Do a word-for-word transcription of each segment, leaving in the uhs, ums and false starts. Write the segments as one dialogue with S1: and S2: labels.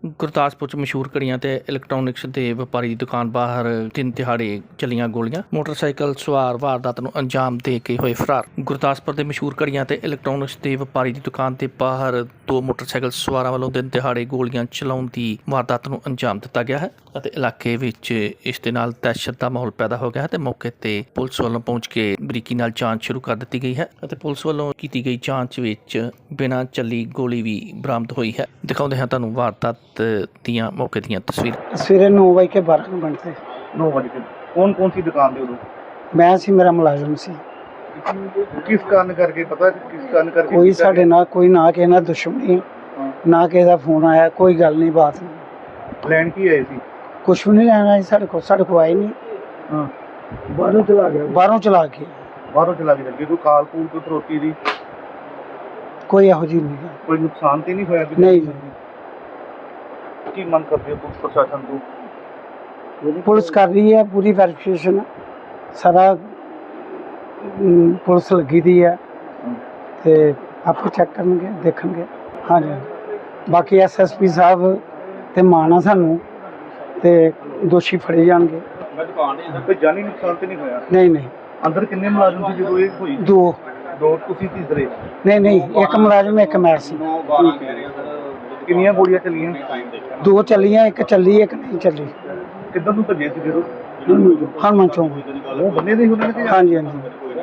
S1: ਗੁਰਦਾਸਪੁਰ ਚ ਮਸ਼ਹੂਰ ਘੜੀਆਂ ਤੇ ਇਲੈਕਟ੍ਰੋਨਿਕਸ ਦੇ ਵਪਾਰੀ ਦੀ ਦੁਕਾਨ ਬਾਹਰ ਦਿਨ ਦਿਹਾੜੇ ਚੱਲੀਆਂ ਗੋਲੀਆਂ। ਮੋਟਰਸਾਈਕਲ ਸਵਾਰ ਵਾਰਦਾਤ ਨੂੰ ਅੰਜਾਮ ਦੇ ਕੇ ਹੋਏ ਫਰਾਰ। ਗੁਰਦਾਸਪੁਰ ਦੇ ਮਸ਼ਹੂਰ ਘੜੀਆਂ ਤੇ ਇਲੈਕਟ੍ਰੋਨਿਕਸ ਦੇ ਵਪਾਰੀ ਦੀ ਦੁਕਾਨ ਦੇ ਬਾਹਰ ਦੋ ਮੋਟਰਸਾਈਕਲ ਸਵਾਰਾਂ ਵੱਲੋਂ ਦਿਨ ਦਿਹਾੜੇ ਗੋਲੀਆਂ ਚਲਾਉਣ ਦੀ ਵਾਰਦਾਤ ਨੂੰ ਅੰਜਾਮ ਦਿੱਤਾ ਗਿਆ ਹੈ ਅਤੇ ਇਲਾਕੇ ਵਿੱਚ ਇਸ ਦੇ ਨਾਲ ਦਹਿਸ਼ਤ ਦਾ ਮਾਹੌਲ ਪੈਦਾ ਹੋ ਗਿਆ ਹੈ ਤੇ ਮੌਕੇ ਤੇ ਪੁਲਿਸ ਵੱਲੋਂ ਪਹੁੰਚ ਕੇ ਬਰੀਕੀ ਨਾਲ ਜਾਂਚ ਸ਼ੁਰੂ ਕਰ ਦਿੱਤੀ ਗਈ ਹੈ ਅਤੇ ਪੁਲਿਸ ਵੱਲੋਂ ਕੀਤੀ ਗਈ ਜਾਂਚ ਵਿੱਚ ਬਿਨਾਂ ਚੱਲੀ ਗੋਲੀ ਵੀ ਬਰਾਮਦ ਹੋਈ ਹੈ। ਦਿਖਾਉਂਦੇ ਹਾਂ ਤੁਹਾਨੂੰ ਵਾਰਦਾਤ ਦੀਆਂ ਮੌਕੇ ਦੀਆਂ ਤਸਵੀਰਾਂ।
S2: ਸਵੇਰੇ नौ ਵਜੇ ਕੇ ਬਾਰਾਂ ਮਿੰਟ ਤੇ
S3: नौ बजे के कौन कौन सी दुकान पे उदो
S2: ਮੈਂ ਸੀ, ਮੇਰਾ ਮੁਲਾਜ਼ਮ ਸੀ।
S3: किस कारण करके पता है किस कारण करके
S2: ਕੋਈ ਸਾਡੇ ਨਾਲ ਕੋਈ ਨਾ ਕਿਸੇ ਨਾਲ ਦੁਸ਼ਮਣੀ, ਨਾ ਕਿਸੇ ਦਾ ਫੋਨ ਆਇਆ, ਕੋਈ ਗੱਲ ਨਹੀਂ, ਬਾਤ ਨਹੀਂ,
S3: लैंड की है सी
S2: ਕੁਛ ਵੀ ਨਹੀਂ ਲੈਣਾ ਸੀ ਸਾਡੇ ਕੋਲ। ਸਾਡੇ ਕੋਲ ਆਏ ਨਹੀਂ,
S3: हां
S2: ਬਾਹਰੋਂ ਚਲਾ ਗਿਆ, ਬਾਹਰੋਂ ਚਲਾ ਕੇ
S3: बाहरों चला के करके कोई काल कूल कोई फरोती दी
S2: ਕੋਈ ਇਹੋ ਜਿਹੀ ਨਹੀਂ ਗੱਲ।
S3: कोई नुकसान तो नहीं होया
S2: नहीं नहीं।
S3: की मन करते हो पुलिस प्रशासन को?
S2: ਪੁਲਿਸ ਕਰ ਰਹੀ ਹੈ ਪੂਰੀ ਵੈਰੀਫਿਕੇਸ਼ਨ, ਸਾਰਾ ਅਮ, ਪੁਲਿਸ ਲੱਗੀ ਦੀ ਹੈ ਤੇ ਆਪੇ ਚੈੱਕ ਕਰਨਗੇ, ਦੇਖਣਗੇ। ਹਾਂਜੀ, ਬਾਕੀ ਐਸ ਐਸ ਪੀ ਸਾਹਿਬ ਤੇ ਮਾਣਾ ਸਾਨੂੰ ਤੇ ਦੋਸ਼ੀ ਫੜੇ ਜਾਣਗੇ।
S3: कोई जानी नुकसान तो नहीं होया?
S2: ਨਹੀਂ ਨਹੀਂ,
S3: अंदर किन्ने मुलाजिम सी जो ये हुई?
S2: ਦੋ
S3: दो तुसी तीसरे
S2: ਨਹੀਂ ਨਹੀਂ, ਇੱਕ ਮੁਲਾਜ਼ਮ ਇੱਕ ਮੈਂ ਸੀ।
S3: किन्नियां गोलियां चलियां?
S2: ਦੋ ਚੱਲੀਆਂ, ਇੱਕ ਚੱਲੀ ਇੱਕ ਨਹੀਂ ਚੱਲੀ।
S3: किधर नु भजे सी फिर
S2: ਹਨੂੰਮਾਨ ਚੌਂਕ।
S3: वो बन्ने दे उन्होंने कि
S2: ਹਾਂਜੀ ਹਾਂਜੀ,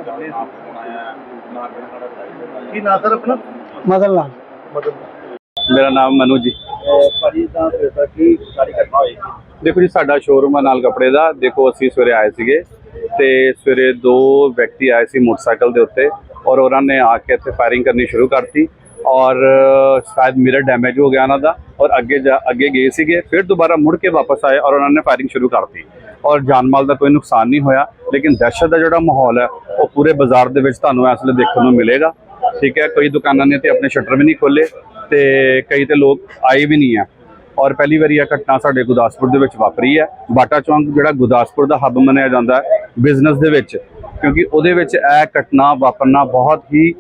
S3: की ना सर अपना
S2: ਮਦਨ ਲਾਲ।
S3: मतलब
S4: ਮੇਰਾ ਨਾਮ ਮਨੂ ਜੀ।
S3: ਭਾਜੀ ਤਾਂ ਫਿਰ ਕੀ ਸਾਰੀ ਘਟਨਾ ਹੋਈ?
S4: ਦੇਖੋ ਜੀ, ਸਾਡਾ ਸ਼ੋਰੂਮ ਹੈ ਨਾਲ ਕੱਪੜੇ ਦਾ। ਦੇਖੋ ਅਸੀਂ ਸਵੇਰੇ ਆਏ ਸੀਗੇ ਤੇ ਸਵੇਰੇ ਦੋ ਵਿਅਕਤੀ ਆਏ ਸੀ ਮੋਟਰਸਾਈਕਲ ਦੇ ਉੱਤੇ ਔਰ ਉਹਨਾਂ ਨੇ ਆ ਕੇ ਇੱਥੇ ਫਾਇਰਿੰਗ ਕਰਨੀ ਸ਼ੁਰੂ ਕਰਤੀ ਔਰ ਸ਼ਾਇਦ ਮਿਰਰ ਡੈਮੇਜ ਹੋ ਗਿਆ ਉਹਨਾਂ ਦਾ ਔਰ ਅੱਗੇ ਜਾ ਅੱਗੇ ਗਏ ਸੀਗੇ, ਫਿਰ ਦੁਬਾਰਾ ਮੁੜ ਕੇ ਵਾਪਸ ਆਏ ਔਰ ਉਹਨਾਂ ਨੇ ਫਾਇਰਿੰਗ ਸ਼ੁਰੂ ਕਰਤੀ ਔਰ ਜਾਨ ਮਾਲ ਦਾ ਕੋਈ ਨੁਕਸਾਨ ਨਹੀਂ ਹੋਇਆ। ਲੇਕਿਨ ਦਹਿਸ਼ਤ ਦਾ ਜਿਹੜਾ ਮਾਹੌਲ ਹੈ ਉਹ ਪੂਰੇ ਬਾਜ਼ਾਰ ਦੇ ਵਿੱਚ ਤੁਹਾਨੂੰ ਇਸ ਵੇਲੇ ਦੇਖਣ ਨੂੰ ਮਿਲੇਗਾ। ਠੀਕ ਹੈ, ਕਈ ਦੁਕਾਨਾਂ ਨੇ ਤੇ ਆਪਣੇ ਸ਼ਟਰ ਵੀ ਨਹੀਂ ਖੋਲੇ ਤੇ ਕਈ ਤੇ ਲੋਕ ਆਏ ਵੀ ਨਹੀਂ ਹੈ ਔਰ ਪਹਿਲੀ ਵਾਰੀ ਇਹ ਘਟਨਾ ਸਾਡੇ ਗੁਰਦਾਸਪੁਰ ਦੇ ਵਿੱਚ ਵਾਪਰੀ ਹੈ। ਬਾਟਾ ਚੌਂਕ ਜਿਹੜਾ ਗੁਰਦਾਸਪੁਰ ਦਾ ਹੱਬ ਮੰਨਿਆ ਜਾਂਦਾ ਹੈ ਬਿਜ਼ਨਸ ਦੇ ਵਿੱਚ, ਕਿਉਂਕਿ ਉਹਦੇ ਵਿੱਚ ਇਹ ਘਟਨਾ ਵਾਪਰਨਾ ਬਹੁਤ ਹੀ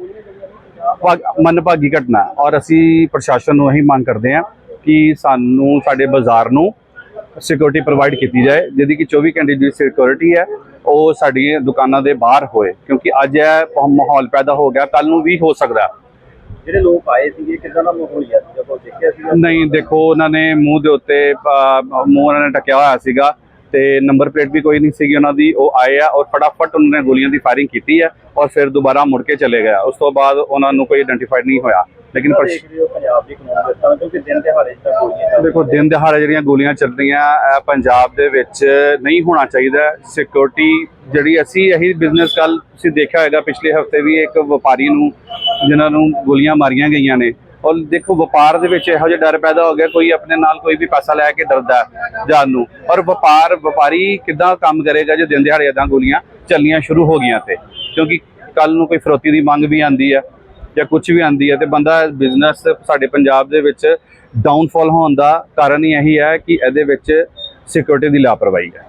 S4: ਮੰਦਭਾਗੀ ਘਟਨਾ ਹੈ ਔਰ ਅਸੀਂ ਪ੍ਰਸ਼ਾਸਨ ਨੂੰ ਇਹੀ ਮੰਗ ਕਰਦੇ ਹਾਂ ਕਿ ਸਾਨੂੰ ਸਾਡੇ ਬਾਜ਼ਾਰ ਨੂੰ ਸਿਕਿਉਰਿਟੀ ਪ੍ਰੋਵਾਈਡ ਕੀਤੀ ਜਾਏ, ਜਿਹਦੀ ਕਿ ਚੌਵੀ ਘੰਟੇ ਦੀ ਸਿਕਿਉਰਿਟੀ ਹੈ ਉਹ ਸਾਡੀਆਂ ਦੁਕਾਨਾਂ ਦੇ ਬਾਹਰ ਹੋਏ, ਕਿਉਂਕਿ ਅੱਜ ਇਹ ਮਾਹੌਲ ਪੈਦਾ ਹੋ ਗਿਆ, ਕੱਲ ਨੂੰ ਵੀ ਹੋ ਸਕਦਾ।
S3: ਜਿਹੜੇ ਲੋਕ ਆਏ ਸੀਗੇ ਕਿੱਦਾਂ ਦਾ ਮਾਹੌਲ ਹੈ ਜਦੋਂ ਦੇਖਿਆ ਸੀ?
S4: ਨਹੀਂ, ਦੇਖੋ ਉਹਨਾਂ ਨੇ ਮੂੰਹ ਦੇ ਉੱਤੇ ਮੂੰਹ ਉਹਨਾਂ ਨੇ ਢੱਕਿਆ ਹੋਇਆ ਸੀਗਾ ਤੇ ਨੰਬਰ ਪਲੇਟ ਵੀ ਕੋਈ ਨਹੀਂ ਸੀਗੀ ਉਹਨਾਂ ਦੀ। ਉਹ ਆਏ ਆ ਔਰ ਫਟਾਫਟ ਉਹਨਾਂ ਨੇ ਗੋਲੀਆਂ ਦੀ ਫਾਇਰਿੰਗ ਕੀਤੀ ਹੈ ਔਰ ਫਿਰ ਦੁਬਾਰਾ ਮੁੜ ਕੇ ਚਲੇ ਗਏ। ਉਸ ਤੋਂ ਬਾਅਦ ਉਹਨਾਂ ਨੂੰ ਕੋਈ ਆਇਡੈਂਟੀਫਾਈਡ ਨਹੀਂ ਹੋਇਆ। ਲੇਕਿਨ
S3: ਪੰਜਾਬ ਦੀ ਕਾਨੂੰਨ ਵਿਵਸਥਾ ਕਿਉਂਕਿ ਦਿਨ ਦਿਹਾੜੇ ਜਿਹੜਾ ਗੋਲੀਆਂ
S4: ਦੇਖੋ, ਦਿਨ ਦਿਹਾੜੇ ਜਿਹੜੀਆਂ ਗੋਲੀਆਂ ਚੱਲ ਰਹੀਆਂ ਇਹ ਪੰਜਾਬ ਦੇ ਵਿੱਚ ਨਹੀਂ ਹੋਣਾ ਚਾਹੀਦਾ। ਸਿਕਿਉਰਿਟੀ ਜਿਹੜੀ ਅਸੀਂ ਇਹੀ ਬਿਜ਼ਨਸ, ਕੱਲ ਤੁਸੀਂ ਦੇਖਿਆ ਹੋਏਗਾ ਪਿਛਲੇ ਹਫਤੇ ਵੀ ਇੱਕ ਵਪਾਰੀ ਨੂੰ ਜਿਨ੍ਹਾਂ ਨੂੰ ਗੋਲੀਆਂ ਮਾਰੀਆਂ ਗਈਆਂ ਨੇ ਔਰ ਦੇਖੋ ਵਪਾਰ ਦੇ ਵਿੱਚ ਇਹੋ ਜਿਹਾ ਡਰ ਪੈਦਾ ਹੋ ਗਿਆ, ਕੋਈ ਆਪਣੇ ਨਾਲ ਕੋਈ ਵੀ ਪੈਸਾ ਲੈ ਕੇ ਡਰਦਾ ਜਾਣ ਨੂੰ ਔਰ ਵਪਾਰ ਵਪਾਰੀ ਕਿੱਦਾਂ ਕੰਮ ਕਰੇਗਾ ਜੇ ਦਿਨ ਦਿਹਾੜੇ ਇੱਦਾਂ ਗੋਲੀਆਂ ਚੱਲਣੀਆਂ ਸ਼ੁਰੂ ਹੋ ਗਈਆਂ ਤੇ, ਕਿਉਂਕਿ ਕੱਲ ਨੂੰ ਕੋਈ ਫਰੋਤੀ ਦੀ ਮੰਗ ਵੀ ਆਉਂਦੀ ਹੈ ਜਾਂ ਕੁਝ ਵੀ ਆਉਂਦੀ ਹੈ ਤੇ ਬੰਦਾ ਬਿਜ਼ਨਸ ਸਾਡੇ ਪੰਜਾਬ ਦੇ ਵਿੱਚ ਡਾਊਨਫਾਲ ਹੋਣ ਦਾ ਕਾਰਨ ਹੀ ਇਹੀ ਹੈ ਕਿ ਇਹਦੇ ਵਿੱਚ ਸਿਕਿਉਰਿਟੀ ਦੀ ਲਾਪਰਵਾਹੀ ਹੈ।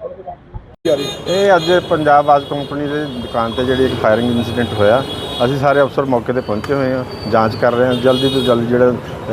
S5: ਇਹ ਅੱਜ ਪੰਜਾਬ ਆਜ ਕੰਪਨੀ ਦੇ ਦੁਕਾਨ ਤੇ ਜਿਹੜੀ ਇੱਕ ਫਾਇਰਿੰਗ ਇਨਸੀਡੈਂਟ ਹੋਇਆ, ਅਸੀਂ ਸਾਰੇ ਅਫਸਰ ਮੌਕੇ ਤੇ ਪਹੁੰਚੇ ਹੋਏ ਹਾਂ, ਜਾਂਚ ਕਰ ਰਹੇ ਹਾਂ। ਜਲਦੀ ਤੋਂ ਜਲਦੀ ਜਿਹੜੇ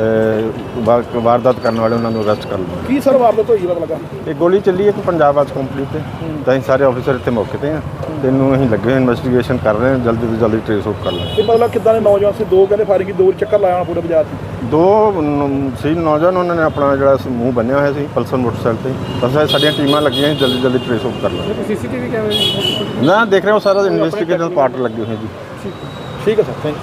S5: ਵਾਰਦਾਤ ਕਰਨ ਵਾਲੇ ਉਹਨਾਂ ਨੂੰ ਅਰੈਸਟ ਕਰ ਲਵਾਂਗੇ।
S3: ਕੀ ਸਰ ਵਾਰਦਾਤ ਹੋਈ ਪਤਾ ਲੱਗਾ?
S5: ਇਹ ਗੋਲੀ ਚੱਲੀ ਇੱਕ ਪੰਜਾਬ ਆਜ ਕੰਪਨੀ ਤੇ, ਤਾਂ ਅਸੀਂ ਸਾਰੇ ਅਫਸਰ ਇੱਥੇ ਮੌਕੇ ਤੇ ਹਾਂ ਤੇ ਇਹਨੂੰ ਅਸੀਂ ਲੱਗੇ ਹੋਏ ਇਨਵੈਸਟੀਗੇਸ਼ਨ ਕਰ ਰਹੇ ਹਾਂ, ਜਲਦੀ ਤੋਂ ਜਲਦੀ ਟ੍ਰੇਸ ਆਊਟ ਕਰ ਲਾਂਗੇ।
S3: ਇਹ ਮਤਲਬ ਕਿੱਦਾਂ ਦੇ ਨੌਜਵਾਨ ਸੀ? ਦੋ ਕਹਿੰਦੇ ਫਾਇਰਿੰਗ ਦੋ ਚੱਕਰ ਲਾਇਆ ਪੂਰੇ ਬਾਜ਼ਾਰ 'ਚ।
S5: ਦੋ ਸੀ ਨੌਜਵਾਨ, ਉਹਨਾਂ ਨੇ ਆਪਣਾ ਜਿਹੜਾ ਮੂੰਹ ਬੰਨਿਆ ਹੋਇਆ ਸੀ ਪਲਸਰ ਮੋਟਰਸਾਈਕਲ ਤੇ। ਬਸ ਸਾਡੀਆਂ ਟੀਮਾਂ ਲੱਗੀਆਂ, ਜਲਦੀ ਜਲਦੀ ਟ੍ਰੇਸ ਆਊਟ ਕਰ ਲਾਂਗੇ।
S3: ਸੀਸੀਟੀਵੀ ਕੈਮਰੇ
S5: ਨਾ ਦੇਖ ਰਹੇ ਹੋ, ਸਾਰਾ ਇਨਵੈਸਟੀਗੇਸ਼ਨ ਪਾਰਟ ਲੱਗੇ ਹੋਏ ਜੀ।
S3: ਠੀਕ ਹੈ ਸਰ, ਥੈਂਕ